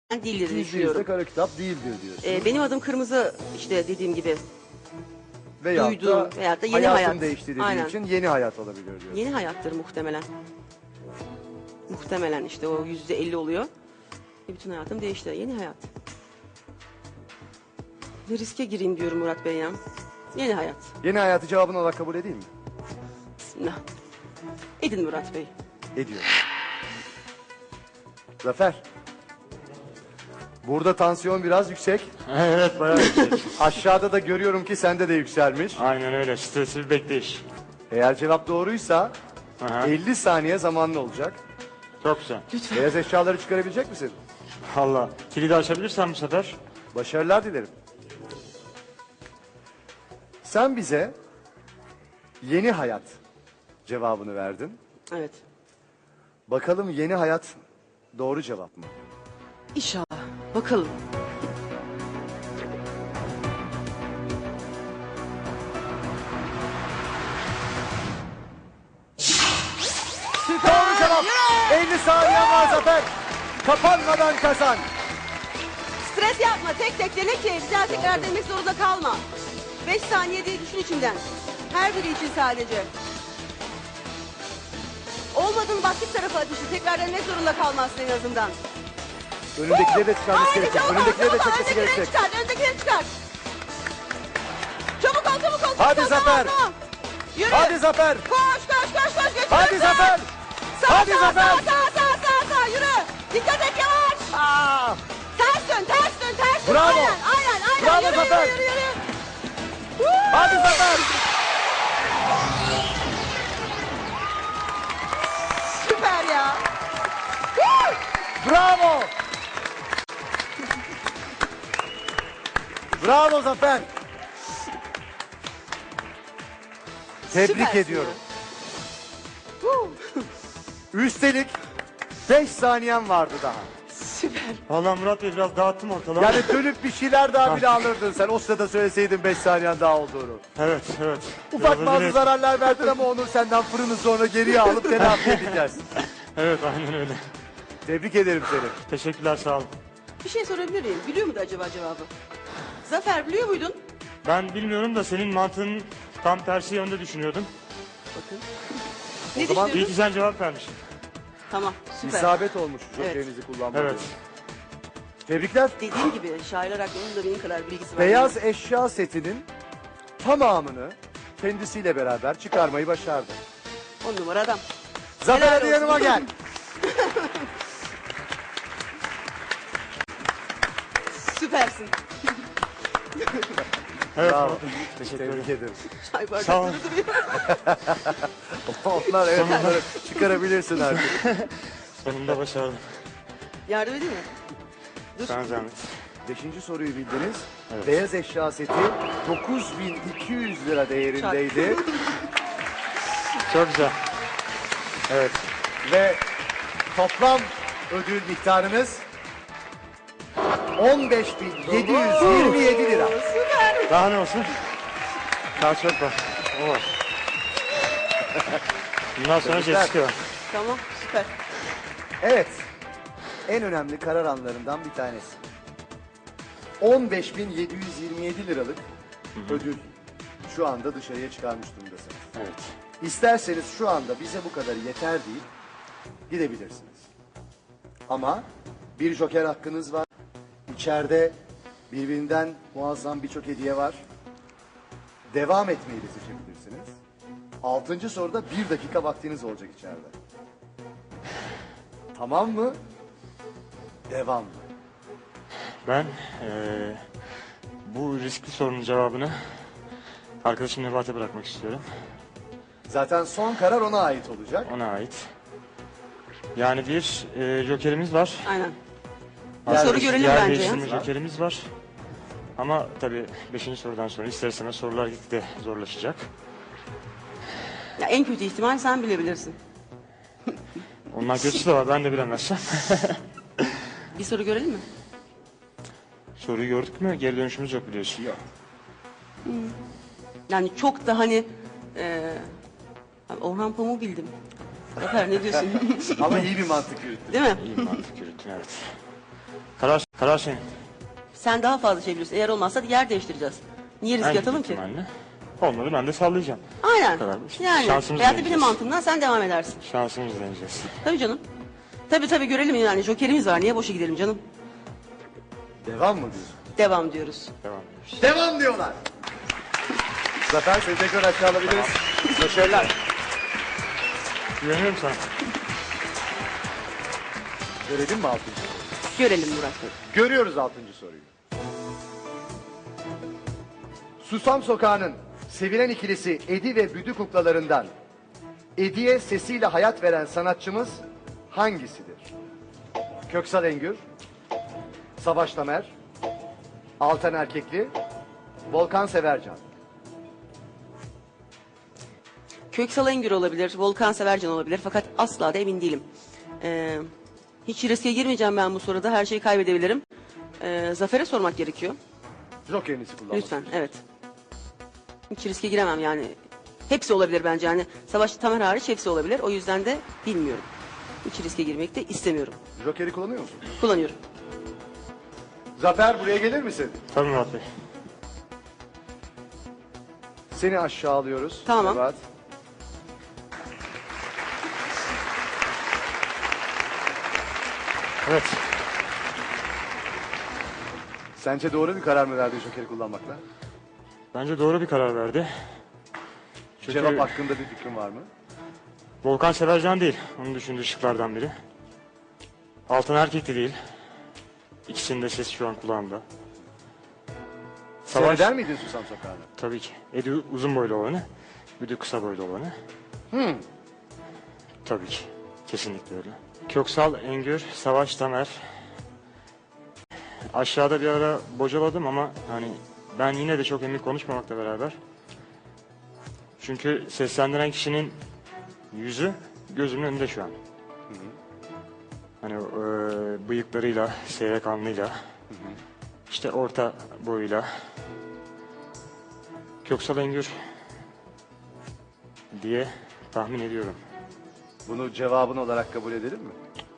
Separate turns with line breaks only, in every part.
değildir diye
%100 de
düşünüyorum.
kara kitap değildir diyorsun.
Benim adım Kırmızı, işte dediğim gibi.
Veyahut
duyduğum veyahut da yeni
hayatın
hayat.
değişti dediği
Aynen.
için yeni hayat olabilir diyorsun.
Yeni hayattır muhtemelen. Muhtemelen işte o %50 oluyor. Bütün hayatım değişti. Yeni hayat. Bir riske gireyim diyorum Murat Bey ya. Yeni hayat.
Yeni hayatı cevabın olarak kabul edeyim mi?
Bismillah. Edin Murat Bey.
Ediyorum. Zafer. Burada tansiyon biraz yüksek.
Evet, bayağı yüksek.
Aşağıda da görüyorum ki sende de yükselmiş.
Aynen öyle. Stresli bir bekleyiş.
Eğer cevap doğruysa
Aha.
50 saniye zamanlı olacak.
Çok güzel.
Beyaz eşyaları çıkarabilecek misin?
Valla. Kilidi açabilirsen bu sefer.
Başarılar dilerim. Sen bize yeni hayat cevabını verdin.
Evet.
Bakalım yeni hayat doğru cevap mı?
İnşallah. Bakalım.
Doğru cevap. 50 saniye var Zafer. Kapanmadan kazan.
Stres yapma. Tek tek dene ki bir daha tekrar demek zorunda kalma. 5 saniye diye düşün içinden. Her biri için sadece. Olmadığın başka tarafa atışı. Tekrar denemek zorunda kalmazsın en azından.
Önündekileri de çıkarması
Haydi
gerekecek.
çabuk ol,
Önündekileri de
çabuk ol.
çekmesi
Öndekileri
gerekecek.
çıkar, öndekileri çıkar. Çabuk ol, çabuk ol.
Hadi
çabuk ol,
Zafer.
tamam. Yürü.
Hadi Zafer.
Koş, koş, koş, koş. Götür,
Hadi
götür.
Zafer.
Sağ,
Hadi
sağ,
Zafer.
sağ, yürü. Dikkat et, yavaş.
Aa!
Ters dön, ters dön, ters dön.
Bravo.
Aynen.
Bravo
Yürü,
Zafer.
yürü.
Hadi Zafer.
Süper ya.
Bravo. Bravo Zafer. Tebrik
Süpersin
ediyorum.
ya.
Üstelik 5 saniyen vardı daha.
Süper.
Valla Murat Bey biraz dağıttım ortalığı.
Yani dönüp bir şeyler daha bile alırdın sen. O sırada söyleseydin 5 saniyen daha olduğunu.
Evet.
Ufak
Biraz
bazı
acele-
zararlar verdin ama onu senden fırını sonra geriye alıp telafi edeceğiz.
Evet, aynen öyle.
Tebrik ederim seni.
Teşekkürler, sağ olun.
Bir şey sorabilir miyim? Biliyor muydu acaba cevabı? Zafer biliyor muydun?
Ben bilmiyorum da senin mantığın tam tersi yönde düşünüyordum.
Bakın. Ne
zaman
İyi
düşünüyordun?
ki sen cevap vermişsin.
Tamam, süper.
İsabet olmuş
Evet.
jokerinizi kullanmanız.
Evet.
Tebrikler.
Dediğim gibi şairler hakkında da benim kadar bilgisi var.
Beyaz eşya setinin tamamını kendisiyle beraber çıkarmayı başardı.
10 numara adam.
Zafer
Helal
hadi
olsun.
yanıma gel.
Süpersin.
Evet.
Bravo.
Murat Bey, Teşekkür ederim.
Tebrik ederim.
Çay
Sağ ol.
bardakları duruyor.
Onlar evet onları çıkarabilirsin artık.
Sonunda başardım.
Yardım edeyim mi? Dur.
Sana zahmet.
5. soruyu bildiniz.
Evet.
Beyaz eşya seti 9.200 lira değerindeydi.
Çok güzel. Evet.
Ve toplam ödül miktarınız 15.727 lira.
Süper.
Daha ne olsun? Daha çok var. O var. Bundan sonra
Tebrikler.
jet çıkıyor.
Tamam, süper.
Evet. En önemli karar anlarından bir tanesi. 15.727 liralık ödül şu anda dışarıya çıkarmış durumdasınız.
Evet.
İsterseniz şu anda bize bu kadar yeter deyip gidebilirsiniz. Ama bir joker hakkınız var. İçeride birbirinden muazzam birçok hediye var. Devam etmeyi de seçebilirsiniz. 6. soruda 1 dakika vaktiniz olacak içeride. Tamam mı? Devam mı?
Ben bu riskli sorunun cevabını arkadaşım Nebat'e bırakmak istiyorum.
Zaten son karar ona ait olacak.
Ona ait. Yani bir jokerimiz var.
Aynen.
Yer
Soru
değiş-
görelim
Yer
bence ya.
değiştirme jokerimiz var. Ama tabii 5. sorudan sonra ister istemez sorular gitgide zorlaşacak.
Ya en kötü ihtimal sen bilebilirsin.
Ondan kötüsü de var, ben de bilemezsem.
Bir soru görelim mi?
Soruyu gördük mü? Geri dönüşümüz yok biliyorsun.
Yok.
Yani çok da hani... Orhan Pamuk'u bildim. Zafer ne diyorsun?
Ama iyi bir mantık yürüttün.
Değil mi?
İyi mantık yürüttün, evet. Karar senin.
Sen daha fazla şey biliyorsun. Eğer olmazsa yer değiştireceğiz. Niye risk
En
atalım ki?
ihtimalle. Olmadı ben de sallayacağım.
Aynen.
Bu kadar.
Yani
Şansımızı
hayatta benim
deneyeceğiz.
mantığımdan sen devam edersin.
Şansımızı deneyeceğiz.
Tabii canım. Tabii görelim yani. Jokerimiz var. Niye boşa gidelim canım?
Devam mı diyorsun?
Devam diyoruz.
Devam ediyoruz.
Devam diyorlar. Zafer seni tekrar aşağı alabiliriz. Başarılar.
Güveniyorum sana.
Görelim mi 6.
Görelim Murat Bey.
Görüyoruz 6. soruyu. Susam Sokağı'nın sevilen ikilisi Edi ve Büdü kuklalarından Edi'ye sesiyle hayat veren sanatçımız hangisidir? Köksal Engür, Savaş Tamer, Altan Erkekli, Volkan Severcan.
Köksal Engür olabilir, Volkan Severcan olabilir fakat asla da emin değilim. Hiç riske girmeyeceğim ben bu soruda. Her şeyi kaybedebilirim. Zafer'e sormak gerekiyor.
Jokerinizi kullanmak.
Lütfen, evet. Hiç riske giremem yani. Hepsi olabilir bence yani. Savaş Tamer hariç hepsi olabilir. O yüzden de bilmiyorum. Hiç riske girmek de istemiyorum.
Joker'i kullanıyor musun?
Kullanıyorum.
Zafer buraya gelir misin?
Tabii Murat Bey.
Seni aşağı alıyoruz.
Tamam.
Nebahat.
Evet.
Sence doğru bir karar mı verdin Joker'i kullanmakla?
Bence doğru bir karar verdi. Çünkü
Cevap hakkında bir fikrin var mı?
Volkan Severcan değil. Onun düşündüğü şıklardan biri. Altan Erkek de değil. İkisinin de sesi şu an kulağımda.
Seyreder miydin Susam Sokağı'nı?
Tabii ki. Edi uzun boylu olanı. Büdü kısa boylu olanı. Tabii ki. Kesinlikle öyle. Köksal Engür, Savaş Tamer. Aşağıda bir ara bocaladım ama hani ben yine de çok emin konuşmamakla beraber. Çünkü seslendiren kişinin yüzü gözümün önünde şu an. Hani bıyıklarıyla, seyrek alnıyla, işte orta boyuyla. Köksal Engür diye tahmin ediyorum.
Bunu cevabın olarak kabul edelim mi?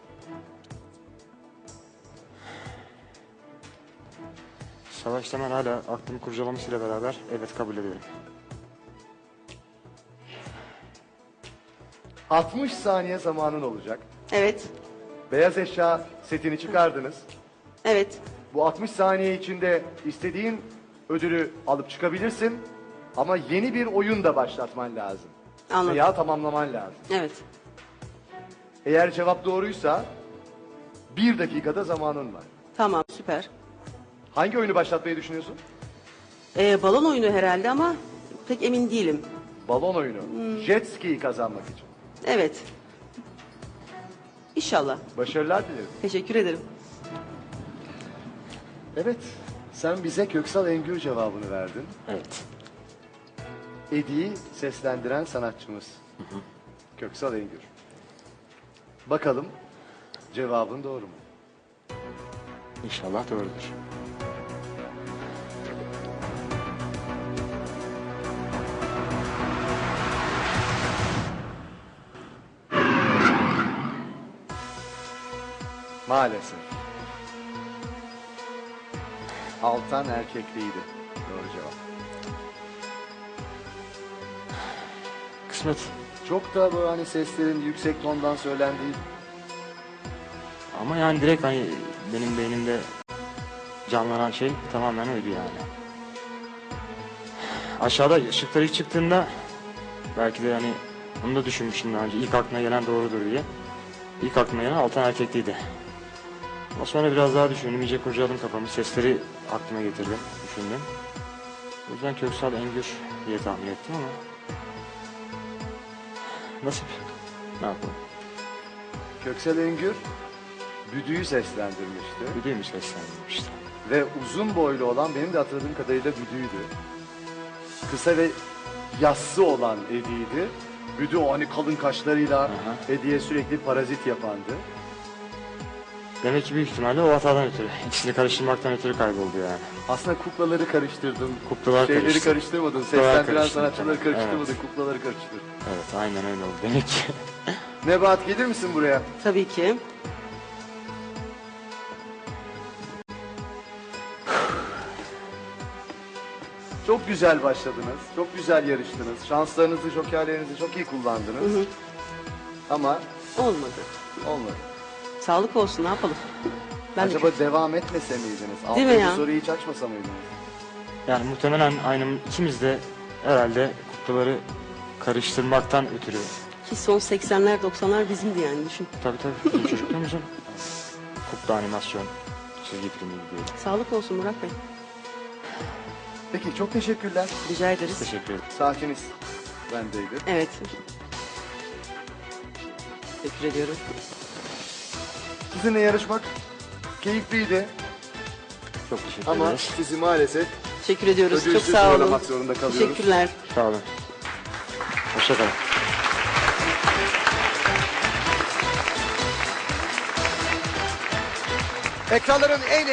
Savaş Tamer hala aklımı kurcalamasıyla beraber evet kabul ederim.
60 saniye zamanın olacak.
Evet.
Beyaz eşya setini çıkardınız.
Evet.
Bu 60 saniye içinde istediğin ödülü alıp çıkabilirsin. Ama yeni bir oyun da başlatman lazım.
Anladım.
Veya tamamlaman lazım.
Evet.
Eğer cevap doğruysa 1 dakikada zamanın var.
Tamam, süper.
Hangi oyunu başlatmayı düşünüyorsun?
Balon oyunu herhalde ama pek emin değilim.
Balon oyunu. Jet ski'yi kazanmak için.
Evet. İnşallah.
Başarılar dilerim.
Teşekkür ederim.
Evet, sen bize Köksal Engür cevabını verdin.
Evet.
Edi'yi seslendiren sanatçımız. Köksal Engür. Bakalım cevabın doğru mu?
İnşallah doğrudur.
Maalesef. Altan Erkekliydi. Doğru cevap.
Kısmet.
Çok da böyle hani seslerin yüksek tondan söylendiği.
Ama yani direkt hani benim beynimde canlanan şey tamamen oydu yani. Aşağıda ışıklar ilk çıktığında belki de yani onu da düşünmüştüm daha önce. İlk aklına gelen doğrudur diye. İlk aklıma gelen Altan Erkekliydi. Ama sonra biraz daha düşündüm. İyice kurcaladım kafamı. Sesleri aklıma getirdim. Düşündüm. O yüzden Köksal Engür diye tahmin ettim ama nasip. Ne yapalım?
Köksal Engür Büdü'yü seslendirmişti.
Büdüğümü seslendirmişti.
Ve uzun boylu olan benim de hatırladığım kadarıyla Büdü'ydü. Kısa ve yassı olan Edi'ydi. Büdü o hani kalın kaşlarıyla Edi'ye sürekli parazit yapandı.
Demek ki büyük ihtimalle o hatadan ötürü. İkisini karıştırmaktan ötürü kayboldu yani.
Aslında kuklaları karıştırdın.
Kuklalar
Şeyleri
karıştı.
karıştırmadın.
Kuklalar
Seslendiren
karıştı.
sanatçıları karıştırmadın.
Evet.
Kuklaları karıştırdın.
Evet aynen öyle oldu demek ki.
Nebahat gelir misin buraya?
Tabii ki.
Çok güzel başladınız. Çok güzel yarıştınız. Şanslarınızı, jokerlerinizi çok iyi kullandınız. Ama
Olmadı.
olmadı.
Sağlık olsun, ne yapalım? Ben de
Acaba devam etmese miydiniz?
Değil mi
6.
ya?
soruyu hiç açmasa mıydınız?
Yani muhtemelen aynı ikimiz de herhalde kuklaları karıştırmaktan ötürü.
ki son 80'ler 90'lar bizimdi yani, düşün.
Tabii bizim çocukluğumuzun kukla animasyon çizgi filmiydi diye.
Sağlık olsun Murat Bey.
Peki çok teşekkürler.
Rica ederiz.
Teşekkür ederim.
Saatiniz bendeydi.
Evet. Teşekkür ediyorum.
Sizinle yarışmak keyifliydi
Çok teşekkür
ama
ederiz.
sizi maalesef
Teşekkür ediyoruz. Çok
ödülsüz
sağ olun.
uğurlamak zorunda kalıyoruz.
Teşekkürler.
Sağ olun. Hoşça kalın.
Ekranların en